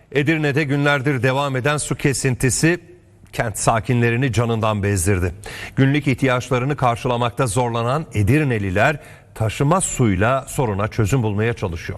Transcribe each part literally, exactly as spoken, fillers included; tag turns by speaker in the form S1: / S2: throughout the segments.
S1: Edirne'de günlerdir devam eden su kesintisi kent sakinlerini canından bezdirdi. Günlük ihtiyaçlarını karşılamakta zorlanan Edirneliler taşıma suyla soruna çözüm bulmaya çalışıyor.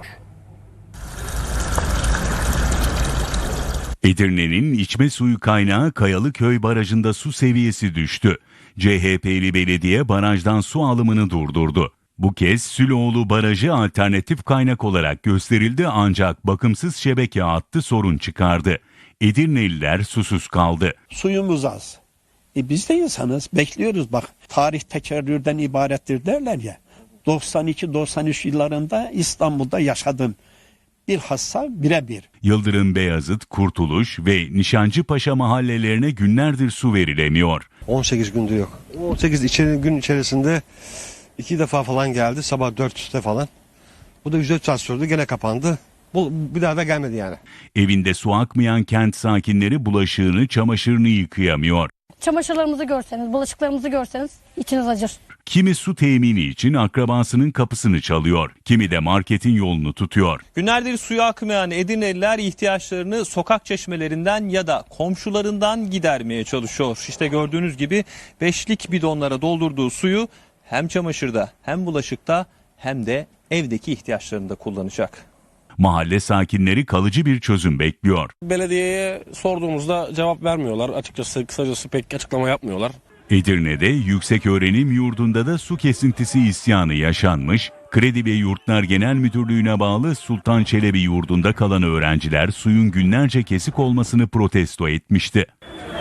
S2: Edirne'nin içme suyu kaynağı Kayalıköy Barajı'nda su seviyesi düştü. C H P'li belediye barajdan su alımını durdurdu. Bu kez Süloğlu Barajı alternatif kaynak olarak gösterildi ancak bakımsız şebeke hattı sorun çıkardı. Edirneliler susuz kaldı.
S3: Suyumuz az. E biz de insanız, bekliyoruz bak. Tarih tekerrürden ibarettir derler ya. doksan iki doksan üç yıllarında İstanbul'da yaşadım. Bilhassa birebir.
S2: Yıldırım Beyazıt, Kurtuluş ve Nişancıpaşa mahallelerine günlerdir su verilemiyor.
S4: on sekiz gündür yok. on sekiz içeri, gün içerisinde iki defa falan geldi. Sabah dörtte falan. Bu da yüz dört saat sürdü. Gene kapandı. Bu bir daha da gelmedi yani.
S2: Evinde su akmayan kent sakinleri bulaşığını, çamaşırını yıkayamıyor.
S5: Çamaşırlarımızı görseniz, bulaşıklarımızı görseniz içiniz acır.
S2: Kimi su temini için akrabasının kapısını çalıyor, kimi de marketin yolunu tutuyor.
S6: Günlerdir suya akmayan Edirneliler ihtiyaçlarını sokak çeşmelerinden ya da komşularından gidermeye çalışıyor. İşte gördüğünüz gibi beşlik bidonlara doldurduğu suyu hem çamaşırda hem bulaşıkta hem de evdeki ihtiyaçlarında kullanacak.
S2: Mahalle sakinleri kalıcı bir çözüm bekliyor.
S7: Belediyeye sorduğumuzda cevap vermiyorlar. Açıkçası kısacası pek açıklama yapmıyorlar.
S2: Edirne'de yükseköğrenim yurdunda da su kesintisi isyanı yaşanmış. Kredi ve Yurtlar Genel Müdürlüğü'ne bağlı Sultan Çelebi yurdunda kalan öğrenciler suyun günlerce kesik olmasını protesto etmişti.